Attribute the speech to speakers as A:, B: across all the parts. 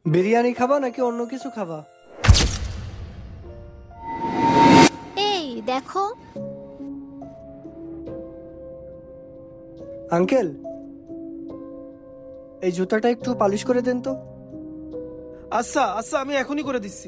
A: বিরিয়ানি খাবা নাকি অন্য কিছু খাবা?
B: এই দেখো,
A: আঙ্কেল, এই জুতাটা একটু পালিশ করে দেন তো।
C: আচ্ছা আচ্ছা, আমি এখনই করে দিচ্ছি।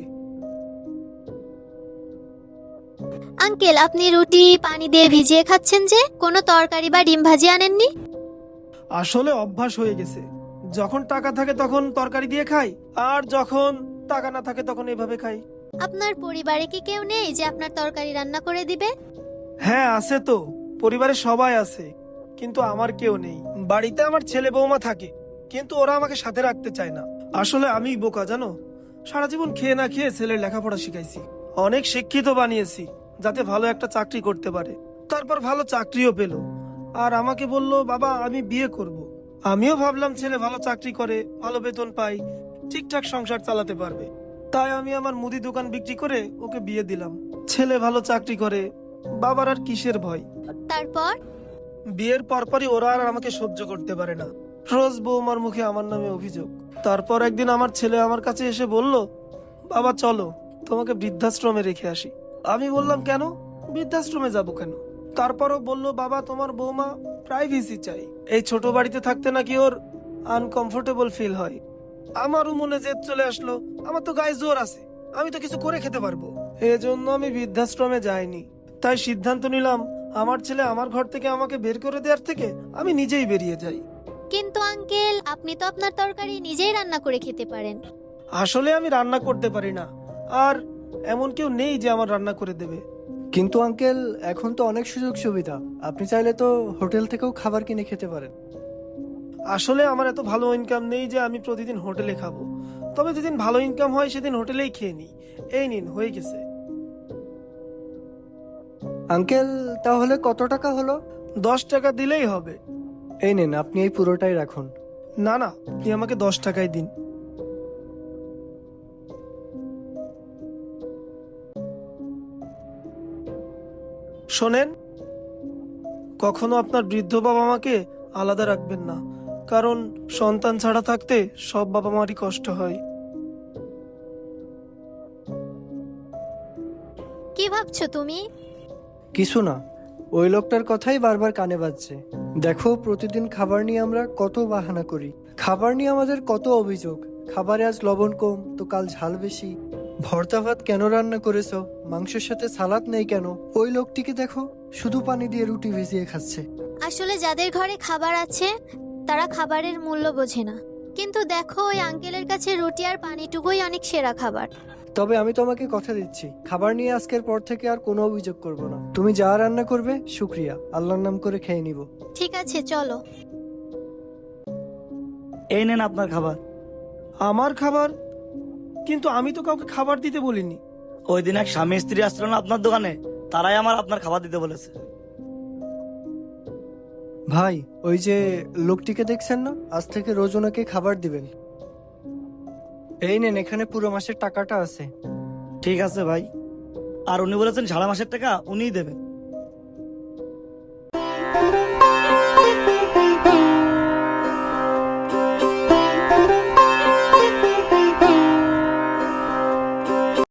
B: আঙ্কেল আপনি রুটি পানি দিয়ে ভিজিয়ে খাচ্ছেন যে, কোনো তরকারি বা ডিম ভাজি আনেননি?
C: আসলে অভ্যাস হয়ে গেছে, যখন টাকা থাকে তখন তরকারি দিয়ে খাই, আর যখন টাকা না থাকে তখন এভাবে খাই।
B: আপনার পরিবারে কি কেউ নেই যে আপনার তরকারি রান্না করে দিবে?
C: হ্যাঁ আছে তো, পরিবারে সবাই আছে, কিন্তু আমার কেউ নেই। বাড়িতে আমার ছেলে বৌমা থাকে, কিন্তু ওরা আমাকে সাথে রাখতে চায় না। আসলে আমি বোকা জানো, সারা জীবন খেয়ে না খেয়ে ছেলের লেখাপড়া শিখাইছি, অনেক শিক্ষিত বানিয়েছি যাতে ভালো একটা চাকরি করতে পারে। তারপর ভালো চাকরিও পেল, আর আমাকে বলল বাবা আমি বিয়ে করব। আমিও ভাবলাম ছেলে ভালো চাকরি করে, ভালো বেতন পাই, ঠিকঠাক সংসার চালাতে পারবে, তাই আমি আমার মুদি দোকান বিক্রি করে ওকে বিয়ে দিলাম। ছেলে ভালো চাকরি করে, বাবার আর কিসের ভয়।
B: তারপর?
C: বিয়ের পরপরই ওরা আর আমাকে সহ্য করতে পারে না, রোজ বৌমার মুখে আমার নামে অভিযোগ। তারপর একদিন আমার ছেলে আমার কাছে এসে বলল, বাবা চলো তোমাকে বৃদ্ধাশ্রমে রেখে আসি। আমি বললাম কেন, বৃদ্ধাশ্রমে যাব কেন? তারপরও বলল বাবা তোমার বৌমা প্রাইভেসি চাই, এই ছোট বাড়িতে থাকতে নাকি ওর আনকমফোর্টেবল ফিল হয়। আমারও মনে জেদ চলে আসলো, আমার তো গায়ে জোর আছে, আমি তো কিছু করে খেতে পারবো। এজন্য আমি বৃদ্ধাশ্রমে যাইনি, তাই সিদ্ধান্ত নিলাম আমার ছেলে আমার ঘর থেকে আমাকে বের করে দেওয়ার থেকে আমি নিজেই বেরিয়ে যাই।
B: কিন্তু আঙ্কেল আপনি তো আপনার তরকারি নিজেই রান্না করে খেতে পারেন।
C: আসলে আমি রান্না করতে পারি না, আর এমন কেউ নেই যে আমার রান্না করে দেবে।
A: কিন্তু আঙ্কেল, এখন তো অনেক সুযোগ সুবিধা, আপনি চাইলে তো হোটেল থেকেও খাবার কিনে খেতে পারেন।
C: আসলে আমার এত ভালো ইনকাম নেই যে আমি প্রতিদিন হোটেলে খাবো, তবে যেদিন ভালো ইনকাম হয় সেদিন হোটেলেই খেয়ে নিই। এই নিন হয়ে গেছে।
A: আঙ্কেল, তাহলে কত টাকা হলো?
C: 10 টাকা দিলেই হবে।
A: এই নেন, আপনি এই পুরোটাই রাখুন।
C: না না, আপনি আমাকে 10 টাকাই দিন। শোনেন, কখনো আপনার বৃদ্ধ বাবা মাকে আলাদা রাখবেন না, কারণ সন্তান ছাড়া থাকতে সব বাবা মারই কষ্ট হয়।
B: কি ভাবছো তুমি?
A: কিছু না, ওই লোকটার কথাই বারবার কানে বাজছে। দেখো, প্রতিদিন খাবার নিয়ে আমরা কত বাহানা করি, খাবার নিয়ে আমাদের কত অভিযোগ। খাবারে আজ লবণ কম তো কাল ঝাল বেশি, ভর্তা ভাত কেন রান্না করেছো, মাংসের সাথে সালাদ নেই কেন। ওই লোকটিকে দেখো, শুধু পানি দিয়ে রুটি ভিজিয়ে খাচ্ছে।
B: আসলে যাদের ঘরে খাবার আছে তারা খাবারের মূল্য বোঝে না, কিন্তু দেখো ওই আঙ্কেলের কাছে রুটি আর পানিটুকুই অনেক সেরা খাবার।
A: তবে আমি তোমাকে কথা দিচ্ছি, খাবার নিয়ে আজকের পর থেকে আর কোনো অভিযোগ করব না। তুমি যা রান্না করবে শুক্রিয়া, আল্লাহর নাম করে খেয়ে নিব।
B: ঠিক আছে চলো।
D: এই নেন আপনার খাবার।
C: আমার খাবার? কিন্তু আমি তো কাউকে খাবার দিতে বলিনি।
D: ওই দিন এক স্বামী স্ত্রী আসছিল না আপনার দোকানে, তারাই আমার আপনার খাবার দিতে বলেছে।
A: ভাই, ওই যে লোকটিকে দেখছেন না, আজ থেকে রোজ ওনাকে খাবার দিবেন। এই নেন, এখানে পুরো মাসের টাকাটা আছে।
D: ঠিক আছে ভাই, আর উনি বলেছেন সারা মাসের টাকা উনিই দেবেন।